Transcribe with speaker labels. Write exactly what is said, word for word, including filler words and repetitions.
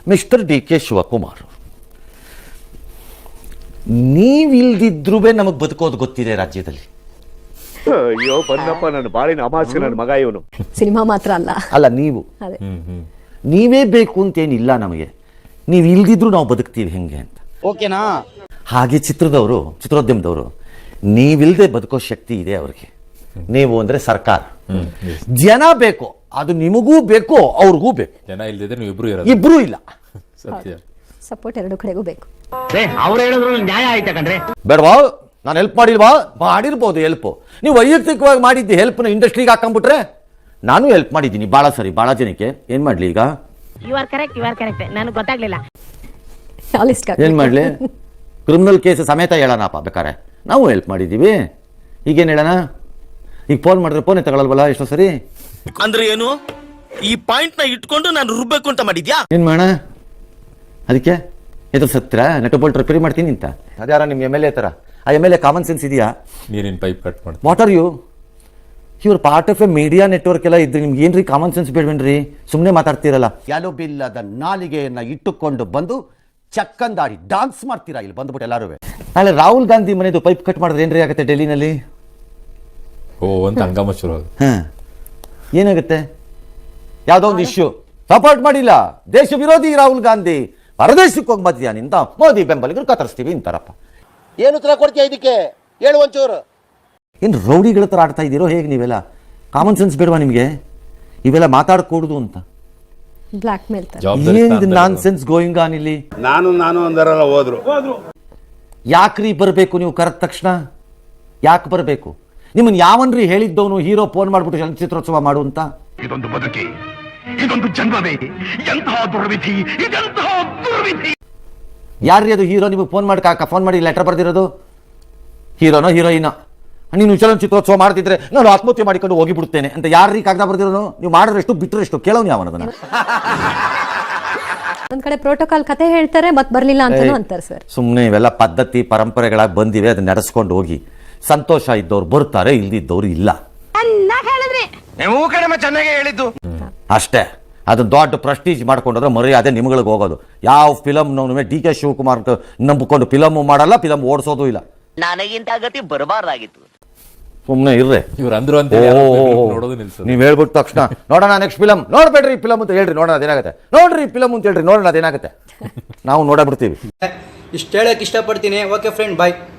Speaker 1: Mister D K Shivakumar, ನೀವಿಲ್ದಿದ್ರೂ ನಮಗೆ ಬದುಕೋದು ಗೊತ್ತಿದೆ ರಾಜ್ಯದಲ್ಲಿ.
Speaker 2: ಅಯ್ಯೋ ಬಂದಪ್ಪ, ನನ್ನ ಬಾಳಿನ ಅಮಾಸೆ ನನ್ನ ಮಗ ಇವನು.
Speaker 3: ಸಿನಿಮಾ ಮಾತ್ರ ಅಲ್ಲ
Speaker 1: ಅಲ್ಲ, ನೀವು ನೀವೇ ಬೇಕು ಅಂತೇನಿಲ್ಲ ನಮಗೆ, ನೀವು ಇಲ್ದಿದ್ರು ನಾವು ಬದುಕ್ತೀವಿ ಹೆಂಗೆ ಅಂತ.
Speaker 4: ಓಕೆನಾ?
Speaker 1: ಹಾಗೆ ಚಿತ್ರದವರು, ಚಿತ್ರೋದ್ಯಮದವರು ನೀವಿಲ್ದೆ ಬದುಕೋ ಶಕ್ತಿ ಇದೆ ಅವ್ರಿಗೆ. ನೀವು ಅಂದ್ರೆ ಸರ್ಕಾರ, ಜನ ಬೇಕು, ಅದು ನಿಮಗೂ ಬೇಕು ಅವ್ರಿಗೂ ಬೇಕು.
Speaker 5: ಜನ ಇಲ್ದಿದ್ರೆ ನೀವು ಇಬ್ರು ಇರೋದು.
Speaker 1: ಇಬ್ರು ಇಲ್ಲ,
Speaker 5: ಸತ್ಯ.
Speaker 3: ಸಪೋರ್ಟ್ ಎರಡು ಕಡೆಗೂ ಬೇಕು.
Speaker 4: ಅವ್ರು ಹೇಳಿದ್ರು ನ್ಯಾಯ ಆಯ್ತಾ ಕಣ್ರೆ?
Speaker 1: ಬೇಡವಾ? ನಾನು ಹೆಲ್ಪ್ ಮಾಡಿಲ್ವಾ? ಮಾಡಿರ್ಬೋದು ಹೆಲ್ಪ್. ನೀವು ವೈಯಕ್ತಿಕವಾಗಿ ಮಾಡಿದ್ದಿ ಹೆಲ್ಪ್ನ ಇಂಡಸ್ಟ್ರಿಗೆ ಹಾಕೊಂಡ್ಬಿಟ್ರೆ ನಾನು ಹೆಲ್ಪ್ ಮಾಡಿದ್ದೀನಿ ಭಾಳ ಸರಿ, ಭಾಳ ಜನಕ್ಕೆ. ಏನು ಮಾಡಲಿ ಈಗ?
Speaker 6: You are correct, you are correct. ನನಗೆ ಗೊತ್ತಾಗ್ಲಿಲ್ಲ.
Speaker 1: ಏನು ಮಾಡಲಿ? ಕ್ರಿಮಿನಲ್ ಕೇಸ್ ಸಮೇತ ಹೇಳೋಣಪ್ಪ ಬೇಕಾರೆ, ನಾವು ಹೆಲ್ಪ್ ಮಾಡಿದ್ದೀವಿ. ಈಗೇನು ಹೇಳೋಣ? ಈಗ ಫೋನ್ ಮಾಡಿದ್ರೆ ಫೋನೇ ತಗೊಳ್ಳಲ್ವಲ್ಲ ಎಷ್ಟೋ ಸರಿ.
Speaker 7: ಅಂದ್ರೆ ಏನು? ಈ ಪಾಯಿಂಟ್ ನ ಇಟ್ಕೊಂಡು ನಾನು ರುಬ್ಬೇಕು ಅಂತ ಮಾಡಿದ್ಯಾ?
Speaker 1: ಏನು ಮಾಡೋಣ ಅದಕ್ಕೆ? ಎದುರು ಸತ್ರ ನೆಟ್ ಬೋಲ್ಟ್ ರಿಪೇರಿ ಮಾಡ್ತೀನಿ ಅಂತ ಅದ್ಯಾರ ನಿಮ್ಮ ಎಮ್ ಎಲ್ ಎ ಥರ? ಆ M L A common sense ಇದೆಯಾ?
Speaker 5: ನೀರಿನ ಪೈಪ್ ಕಟ್ ಮಾಡಿ
Speaker 1: ವಾಟ್ ಆರ್ ಯು? ಇವ್ರ part of a media network ಎಲ್ಲ ಇದ್ರೆ ನಿಮ್ಗೆ ಏನ್ರಿ ಕಾಮನ್ ಸೆನ್ಸ್ ಬೇಡವೇನ್ರಿ? ಸುಮ್ಮನೆ ಮಾತಾಡ್ತೀರಲ್ಲ.
Speaker 8: ಎಲುಬಿಲ್ಲದ ನಾಲಿಗೆಯನ್ನ ಇಟ್ಟುಕೊಂಡು ಬಂದು ಚಕ್ಕಂದಾಡಿ ಡಾನ್ಸ್ ಮಾಡ್ತೀರಾ ಇಲ್ಲಿ ಬಂದ್ಬಿಟ್ಟು ಎಲ್ಲಾರು.
Speaker 1: ನಾಳೆ ರಾಹುಲ್ ಗಾಂಧಿ ಮನೆದು ಪೈಪ್ ಕಟ್ ಮಾಡಿದ್ರೆ ಏನ್ರಿ ಆಗುತ್ತೆ ಡೆಲ್ಲಿನಲ್ಲಿ?
Speaker 5: ಓ ಅಂತ ಹಂಗಾಮ ಶುರು ಆಗುತ್ತೆ.
Speaker 1: ಹಾಂ, ಏನಾಗುತ್ತೆ? ಯಾವುದೋ ಒಂದು ಇಶ್ಯೂ ಸಪೋರ್ಟ್ ಮಾಡಿಲ್ಲ, ದೇಶ ವಿರೋಧಿ ರಾಹುಲ್ ಗಾಂಧಿ, ಪರದೇಶಕ್ಕೆ ಹೋಗಿ ಮಧ್ಯ ನಿಂತ ಮೋದಿ ಬೆಂಬಲಿಗರು ಕತ್ತರಿಸ್ತೀವಿ ಅಂತಾರಪ್ಪ.
Speaker 4: ಏನು ಉತ್ತರ ಕೊಡ್ತೀಯ ಇದಕ್ಕೆ? ಹೇಳು ಒಂಚೂರು.
Speaker 1: ಏನು ರೌಡಿಗಳ ಥರ ಆಡ್ತಾ ಇದ್ದೀರೋ ಹೇಗೆ ನೀವೆಲ್ಲ? ಕಾಮನ್ ಸೆನ್ಸ್ ಬೇಡವಾ ನಿಮಗೆ? ಇವೆಲ್ಲ ಮಾತಾಡಕೂಡುದು ಅಂತ.
Speaker 3: ಬ್ಲ್ಯಾಕ್ ಮೇಲ್
Speaker 1: ಏನು ನಾನ್ ಸೆನ್ಸ್ ಗೋಯಿಂಗ್ ಆನ್ ಇಲ್ಲಿ?
Speaker 2: ನಾನು ನಾನು ಅಂದರಲ್ಲ ಹೋದ್ರು.
Speaker 1: ಯಾಕ್ರಿ ಬರಬೇಕು ನೀವು ಕರೆದ ತಕ್ಷಣ? ಯಾಕೆ ಬರಬೇಕು? ನಿಮ್ಮನ್ನು ಯಾವನ್ರಿ ಹೇಳಿದ್ದವನು ಹೀರೋ ಫೋನ್ ಮಾಡ್ಬಿಟ್ಟು ಚಲನಚಿತ್ರೋತ್ಸವ ಮಾಡು ಅಂತ?
Speaker 2: ಇದೊಂದು ಬದುಕಿ, ಇದೊಂದು ಜನ್ಮವೇ, ಎಂತಹ ದುರ್ವಿಧಿ, ಇದೆಂತಹ ದುರ್ವಿಧಿ.
Speaker 1: ಯಾರ್ರಿ ಅದು ಹೀರೋ? ನಿಮಗೆ ಫೋನ್ ಮಾಡಿ ಕಾಕ ಫೋನ್ ಮಾಡಿ ಲೆಟರ್ ಬರ್ದಿರೋದು? ಹೀರೋನೋ ಹೀರೋಯಿನೋ? ನೀನು ಚಲನಚಿತ್ರೋತ್ಸವ ಮಾಡ್ತಿದ್ರೆ ನಾನು ಆತ್ಮಹತ್ಯೆ ಮಾಡಿಕೊಂಡು ಹೋಗಿಬಿಡ್ತೇನೆ ಅಂತ ಯಾರ್ರೀ ಕಾಗದ ಬರ್ದಿರೋನು? ನೀವು ಮಾಡಿದ್ರೆಷ್ಟು ಬಿಟ್ಟರೆಷ್ಟು ಕೇಳೋನು ಯಾವನದನ್ನ?
Speaker 3: ಒಂದ್ ಕಡೆ ಪ್ರೋಟೋಕಾಲ್ ಕತೆ ಹೇಳ್ತಾರೆ, ಮತ್ ಬರ್ಲಿಲ್ಲ ಅಂತಾನು ಅಂತಾರೆ ಸರ್.
Speaker 1: ಸುಮ್ಮನೆ ಇವೆಲ್ಲ ಪದ್ಧತಿ ಪರಂಪರೆಗಳಾಗಿ ಬಂದಿವೆ, ಅದನ್ನ ನಡೆಸ್ಕೊಂಡು ಹೋಗಿ. ಸಂತೋಷ ಇದ್ದವ್ರು ಬರ್ತಾರೆ, ಇಲ್ದಿದ್ದವ್ರು ಇಲ್ಲ.
Speaker 7: ಚೆನ್ನಾಗಿ ಹೇಳಿದ್ದು
Speaker 1: ಅಷ್ಟೇ. ಅದನ್ನ ದೊಡ್ಡ ಪ್ರೆಸ್ಟೀಜ್ ಮಾಡ್ಕೊಂಡ್ರೆ ಮರ್ಯಾದೆ ನಿಮ್ಗಳಿಗೆ ಹೋಗೋದು. ಯಾವ ಫಿಲಮ್ನವನು ಡಿ ಕೆ ಶಿವಕುಮಾರ್ ನಂಬಿಕೊಂಡು ಫಿಲಮ್ ಮಾಡಲ್ಲ, ಫಿಲಮ್ ಓಡಿಸೋದು ಇಲ್ಲ.
Speaker 6: ನನಗಿಂತ ಗತಿ ಬರಬಾರ್ದಾಗಿತ್ತು.
Speaker 1: ಸುಮ್ಮನೆ ಇರ್ರೆ.
Speaker 5: ಇವ್ರು ಅಂದ್ರು ಅಂತ ನೋಡೋದು ನಿಲ್ಸೋದು.
Speaker 1: ನೀವು ಹೇಳ್ಬಿಟ್ಟು ತಕ್ಷಣ ನೋಡೋಣ ನೆಕ್ಸ್ಟ್ ಫಿಲಮ್, ನೋಡ್ಬೇಡ್ರಿ ಫಿಲಮ್ ಅಂತ ಹೇಳ್ರಿ, ನೋಡೋಣ ಅದೇನಾಗುತ್ತೆ. ನೋಡ್ರಿ ಫಿಲಮ್ ಅಂತ ಹೇಳ್ರಿ, ನೋಡೋಣ ಅದೇನಾಗುತ್ತೆ. ನಾವು ನೋಡಬಿಡ್ತೀವಿ.
Speaker 4: ಇಷ್ಟು ಹೇಳಕ್ ಇಷ್ಟಪಡ್ತೀನಿ. ಓಕೆ ಫ್ರೆಂಡ್, ಬಾಯ್.